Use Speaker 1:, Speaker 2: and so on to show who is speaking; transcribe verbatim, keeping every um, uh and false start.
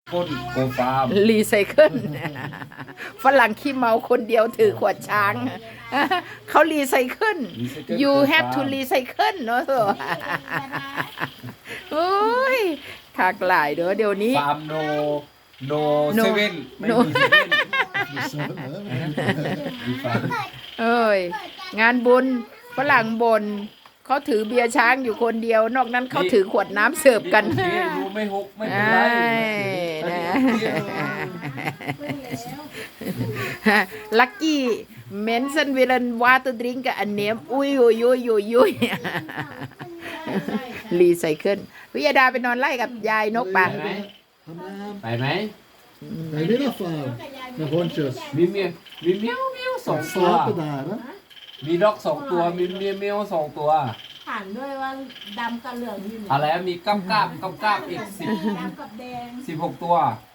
Speaker 1: คนโกฟาร์ม
Speaker 2: รีไซเคิลฝรั่งขี้เมาคนเดียวถือขวดช้างเขารีไซเคิล you have to recycle เนอะโอ้ยขากหลายเด้อเดี๋ยวนี้
Speaker 1: ฟาร์มโนโน
Speaker 2: No
Speaker 1: เซเว่นไม่
Speaker 2: No
Speaker 1: มีเซเว่น มีฟาร์ม
Speaker 2: เอ้ยงานบุญฝรั่งบนเขาถือเบียร์ช้างอยู่คนเดียว นอกนั้นเขาถือขวดน้ำเสิร์ฟกัน
Speaker 1: โอเครู้ไม่หกไม่เป็น
Speaker 2: ไอ้
Speaker 1: ไร
Speaker 2: นะลักกี้เมนสันวิลันวาตดริงกับอันเนมอุ้ยอุ้ยอุ้ยอุ้ยอุ้ยรีไซเคิลวิยาดาไปนอนไล่กับยายนกปะ
Speaker 1: ไปไหม
Speaker 3: Nej, det är alla fall. Med honchos.
Speaker 1: มีเมียมีเมียวเมียวสองตัว
Speaker 3: Släpper där, va?
Speaker 1: มีด็อกสองตัวมีเมียเมียวสองตัว
Speaker 4: ผ่านด้วยว่าดำกับเหลืองอยู่
Speaker 1: อะไรอะมีก้ามก้ามก้ามก้ามอีกสิบ
Speaker 4: ดำกับแดง
Speaker 1: สิบหกตัว
Speaker 4: เ